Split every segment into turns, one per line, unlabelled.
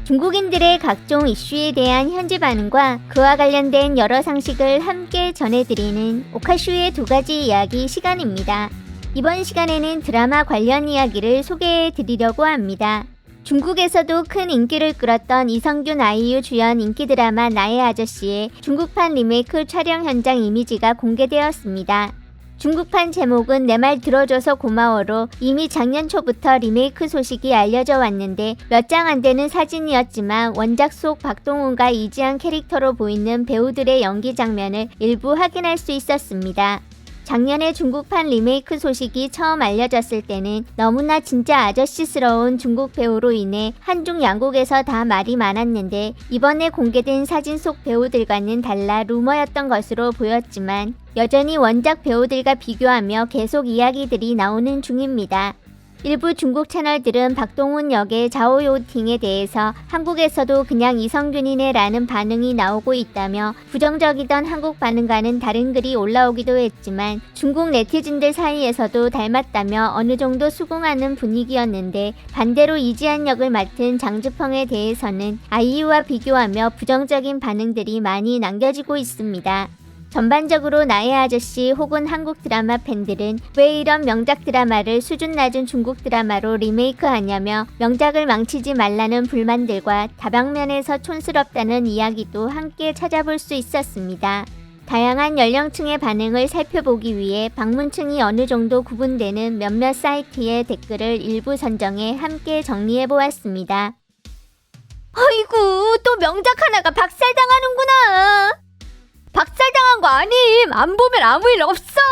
중국인들의 각종 이슈에 대한 현지 반응과 그와 관련된 여러 상식을 함께 전해드리는 오카슈의 2가지 이야기 시간입니다. 이번 시간에는 드라마 관련 이야기를 소개해드리려고 합니다. 중국에서도 큰 인기를 끌었던 이성균 아이유 주연 인기 드라마 나의 아저씨의 중국판 리메이크 촬영 현장 이미지가 공개되었습니다. 중국판 제목은 내 말 들어줘서 고마워로 이미 작년 초부터 리메이크 소식이 알려져 왔는데 몇 장 안 되는 사진이었지만 원작 속 박동훈과 이지연 캐릭터로 보이는 배우들의 연기 장면을 일부 확인할 수 있었습니다. 작년에 중국판 리메이크 소식이 처음 알려졌을 때는 너무나 진짜 아저씨스러운 중국 배우로 인해 한중 양국에서 다 말이 많았는데 이번에 공개된 사진 속 배우들과는 달라 루머였던 것으로 보였지만 여전히 원작 배우들과 비교하며 계속 이야기들이 나오는 중입니다. 일부 중국 채널들은 박동훈 역의 자오요팅에 대해서 한국에서도 그냥 이성균이네 라는 반응이 나오고 있다며 부정적이던 한국 반응과는 다른 글이 올라오기도 했지만 중국 네티즌들 사이에서도 닮았다며 어느 정도 수긍하는 분위기였는데 반대로 이지연 역을 맡은 장즈펑에 대해서는 아이유와 비교하며 부정적인 반응들이 많이 남겨지고 있습니다. 전반적으로 나의 아저씨 혹은 한국 드라마 팬들은 왜 이런 명작 드라마를 수준 낮은 중국 드라마로 리메이크하냐며 명작을 망치지 말라는 불만들과 다방면에서 촌스럽다는 이야기도 함께 찾아볼 수 있었습니다. 다양한 연령층의 반응을 살펴보기 위해 방문층이 어느 정도 구분되는 몇몇 사이트의 댓글을 일부 선정해 함께 정리해보았습니다. 어이구, 또 명작 하나가 박살당하는구나. 박살당한 거 아님. 안 보면 아무 일 없어.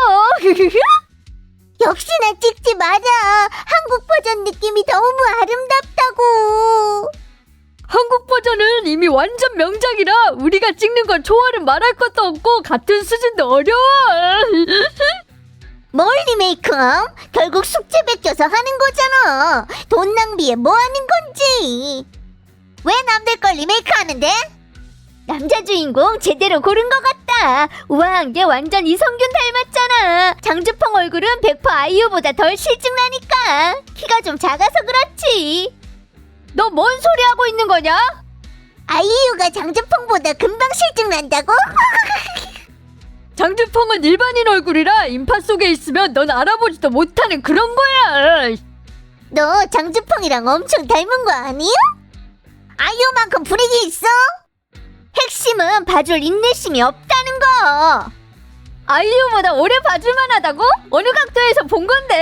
역시나 찍지 마라. 한국 버전 느낌이 너무 아름답다고.
한국 버전은 이미 완전 명작이라 우리가 찍는 건 좋아를 말할 것도 없고 같은 수준도 어려워.
뭘 리메이크? 결국 숙제 베껴서 하는 거잖아. 돈 낭비에 뭐 하는 건지. 왜 남들 걸 리메이크 하는데?
남자 주인공 제대로 고른 것 같다. 우와, 얘 완전 이성균 닮았잖아. 장즈펑 얼굴은 100% 아이유보다 덜 실증나니까. 키가 좀 작아서 그렇지.
너 뭔 소리 하고 있는 거냐?
아이유가 장즈펑보다 금방 실증난다고?
장드펑은 일반인 얼굴이라 인파 속에 있으면 넌 알아보지도 못하는 그런 거야.
너 장즈펑이랑 엄청 닮은 거 아니야? 아이유만큼 분위기 있어?
핵심은 봐줄 인내심이 없다는 거.
아이유보다 오래 봐줄만 하다고? 어느 각도에서 본 건데?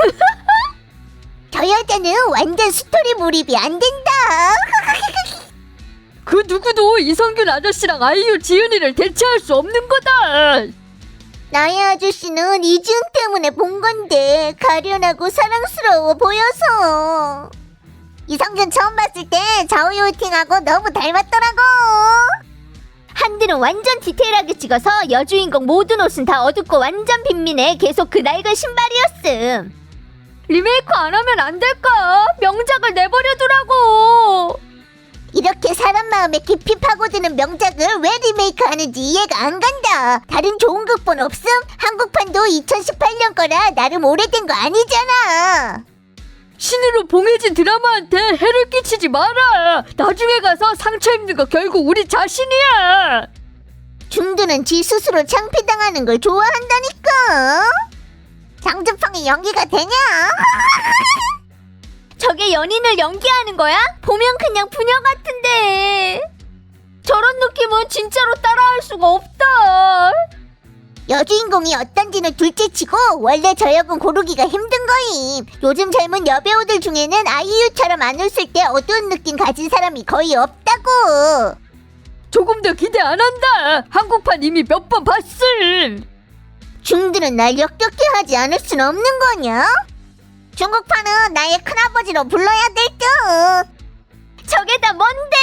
저 여자는 완전 스토리 몰입이 안 된다.
그 누구도 이성균 아저씨랑 아이유 지은이를 대체할 수 없는 거다.
나의 아저씨는 이지은 때문에 본 건데 가련하고 사랑스러워 보여서. 이성균 처음 봤을 때 자오요팅하고 너무 닮았더라고.
한들은 완전 디테일하게 찍어서 여주인공 모든 옷은 다 어둡고 완전 빈민해. 계속 그 낡은 신발이었음.
리메이크 안 하면 안 될까? 명작을 내버려두라고.
이렇게 사람 마음에 깊이 파고드는 명작을 왜 리메이크 하는지 이해가 안 간다. 다른 좋은 극본 없음? 한국판도 2018년 거라 나름 오래된 거 아니잖아.
신으로 봉해진 드라마한테 해를 끼치지 마라. 나중에 가서 상처 입는 거 결국 우리 자신이야.
중두는 지 스스로 창피당하는 걸 좋아한다니까. 장준펑이 연기가 되냐?
저게 연인을 연기하는 거야? 보면 그냥 부녀 같은데. 저런 느낌은 진짜로 따라할 수가 없다.
여주인공이 어떤지는 둘째치고 원래 저 역은 고르기가 힘든 거임. 요즘 젊은 여배우들 중에는 아이유처럼 안 웃을 때 어두운 느낌 가진 사람이 거의 없다고.
조금 더 기대 안 한다. 한국판 이미 몇 번 봤음.
중들은 날 역겹게 하지 않을 순 없는 거냐? 중국판은 나의 큰아버지로 불러야 될 듯.
저게 다 뭔데?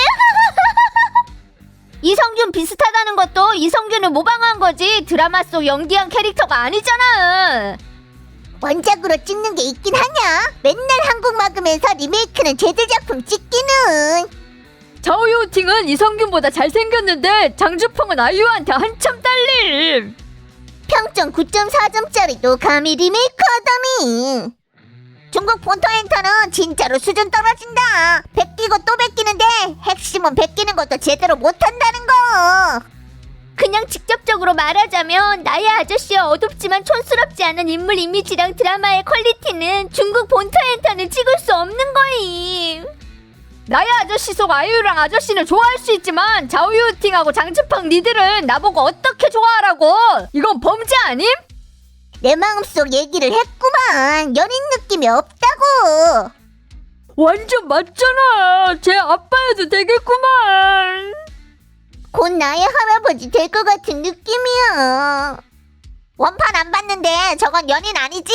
이성균 비슷하다는 것도 이성균을 모방한 거지 드라마 속 연기한 캐릭터가 아니잖아.
원작으로 찍는 게 있긴 하냐? 맨날 한국 막으면서 리메이크는 쟤들 작품 찍기는.
자오요팅은 이성균보다 잘생겼는데 장주펑은 아이유한테 한참 딸림.
평점 9.4점짜리도 감히 리메이크 하다니. 중국 본토엔터는 진짜로 수준 떨어진다. 베끼고 또 베끼는데 핵심은 베끼는 것도 제대로 못한다는 거.
그냥 직접적으로 말하자면 나의 아저씨와 어둡지만 촌스럽지 않은 인물 이미지랑 드라마의 퀄리티는 중국 본토 엔터는 찍을 수 없는 거임.
나의 아저씨 속 아이유랑 아저씨는 좋아할 수 있지만 자오유팅하고 장츠팡 니들은 나보고 어떻게 좋아하라고? 이건 범죄 아님?
내 마음속 얘기를 했구만. 연인 느낌이 없다고.
완전 맞잖아. 제 아빠여도 되겠구만.
곧 나의 할아버지 될 것 같은 느낌이야. 원판 안 봤는데 저건 연인 아니지?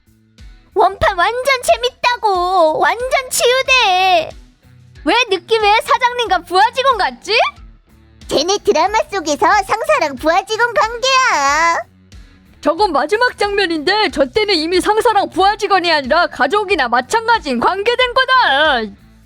원판 완전 재밌다고. 완전 치유돼. 왜 느낌에 사장님과 부하 직원 같지?
쟤네 드라마 속에서 상사랑 부하 직원 관계야.
저건 마지막 장면인데 저 때는 이미 상사랑 부하 직원이 아니라 가족이나 마찬가지인 관계된 거다.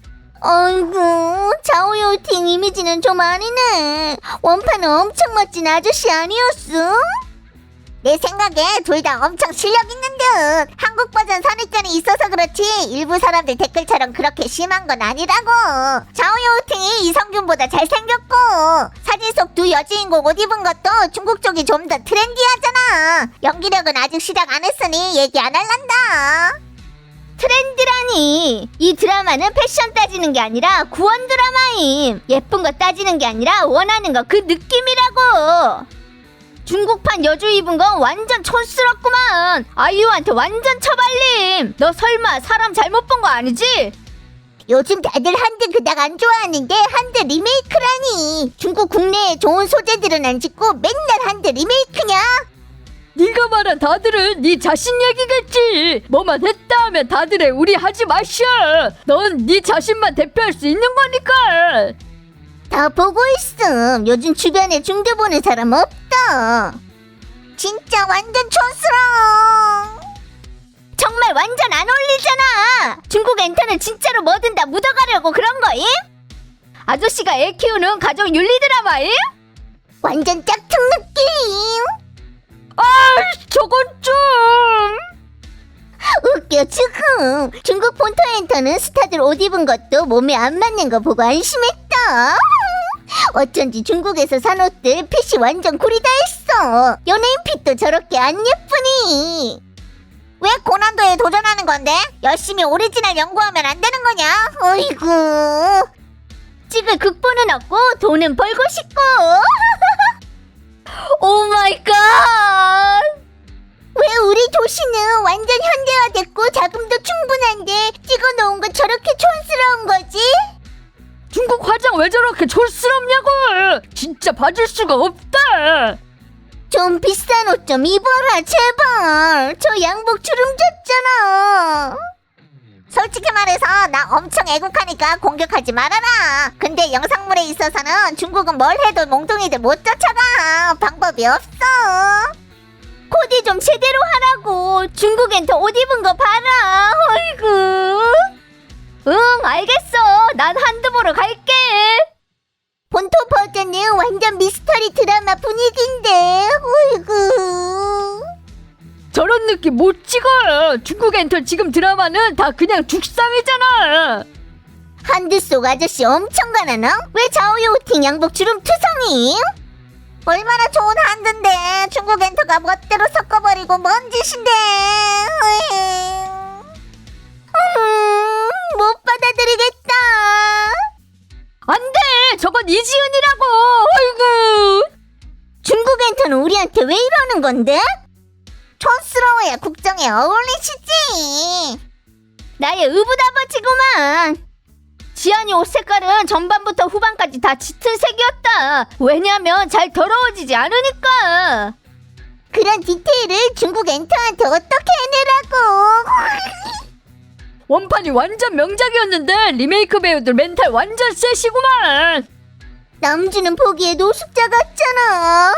어이구, 자오요팅 이미지는 좀 아니네. 원판은 엄청 멋진 아저씨 아니었어? 내 생각에 둘 다 엄청 실력 있는 듯. 한국 버전 선입견이 있어서 그렇지 일부 사람들 댓글처럼 그렇게 심한 건 아니라고. 자오요팅이 이성균보다 잘생겼고 사진 속 두 여주인공 옷 입은 것도 중국 쪽이 좀 더 트렌디하잖아. 연기력은 아직 시작 안 했으니 얘기 안 할란다.
트렌드라니. 이 드라마는 패션 따지는 게 아니라 구원 드라마임. 예쁜 거 따지는 게 아니라 원하는 거 그 느낌이라고. 중국판 여주 입은 건 완전 촌스럽구만. 아이유한테 완전 처발림. 너 설마 사람 잘못 본 거 아니지?
요즘 다들 한드 그닥 안 좋아하는데 한드 리메이크라니. 중국 국내에 좋은 소재들은 안 짓고 맨날 한드 리메이크냐?
네가 말한 다들은 네 자신 얘기겠지. 뭐만 했다 하면 다들의 우리 하지 마셔. 넌 네 자신만 대표할 수 있는 거니까.
다 보고 있음. 요즘 주변에 중드 보는 사람 없다. 진짜 완전 촌스러워.
정말 완전 안 어울리잖아. 중국 엔터는 진짜로 뭐든 다 묻어가려고 그런 거임? 아저씨가 애 키우는 가족 윤리 드라마임?
완전 짝퉁 느낌.
아, 저건 좀.
웃겨 죽음. 중국 본토 엔터는 스타들 옷 입은 것도 몸에 안 맞는 거 보고 안심했다. 어쩐지 중국에서 산 옷들 핏이 완전 구리다 했어. 연예인 핏도 저렇게 안 예쁘니. 왜 고난도에 도전하는 건데? 열심히 오리지널 연구하면 안 되는 거냐? 어이구.
찍을 극본은 없고 돈은 벌고 싶고. 오 마이 갓.
왜 우리 도시는 완전 현대화됐고 자금도 충분한데 찍어놓은 거 저렇게 촌스러운 거지?
중국 화장 왜 저렇게 촌스럽냐고. 진짜 봐줄 수가 없다.
좀 비싼 옷 좀 입어라 제발. 저 양복 주름 졌잖아. 솔직히 말해서 나 엄청 애국하니까 공격하지 말아라. 근데 영상물에 있어서는 중국은 뭘 해도 몽둥이들 못 쫓아가. 방법이 없어.
코디 좀 제대로 하라고. 중국 엔터 옷 입은 거 봐라. 어이구. 응, 알겠어. 난 한드 보러 갈게.
본토 버전은 완전 미스터리 드라마 분위기인데. 어이구.
저런 느낌 못 찍어. 중국 엔터 지금 드라마는 다 그냥 죽상이잖아.
한드 속 아저씨 엄청 가난하? 왜 자오요팅 양복 주름 투성이? 얼마나 좋은 한드인데 중국 엔터가 멋대로 섞어버리고 뭔 짓인데. 못 받아들이겠다.
안돼. 저건 이지은이라고. 아이고.
중국 엔터는 우리한테 왜 이러는 건데? 촌스러워야 국정에 어울리시지.
나의 의붓아버지구만. 지안이 옷 색깔은 전반부터 후반까지 다 짙은 색이었다. 왜냐면 잘 더러워지지 않으니까.
그런 디테일을 중국 엔터한테 어떻게 해내라고.
원판이 완전 명작이었는데 리메이크 배우들 멘탈 완전 쎄시구만.
남주는 보기에 노숙자 같잖아.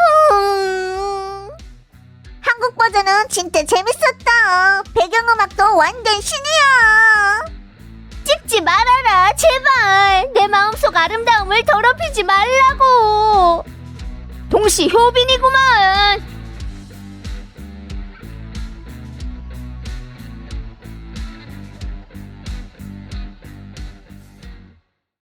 한국 버전은 진짜 재밌었다. 배경음악도 완전 신이야.
찍지 말아라 제발. 내 마음속 아름다움을 더럽히지 말라고. 동시 효빈이구만.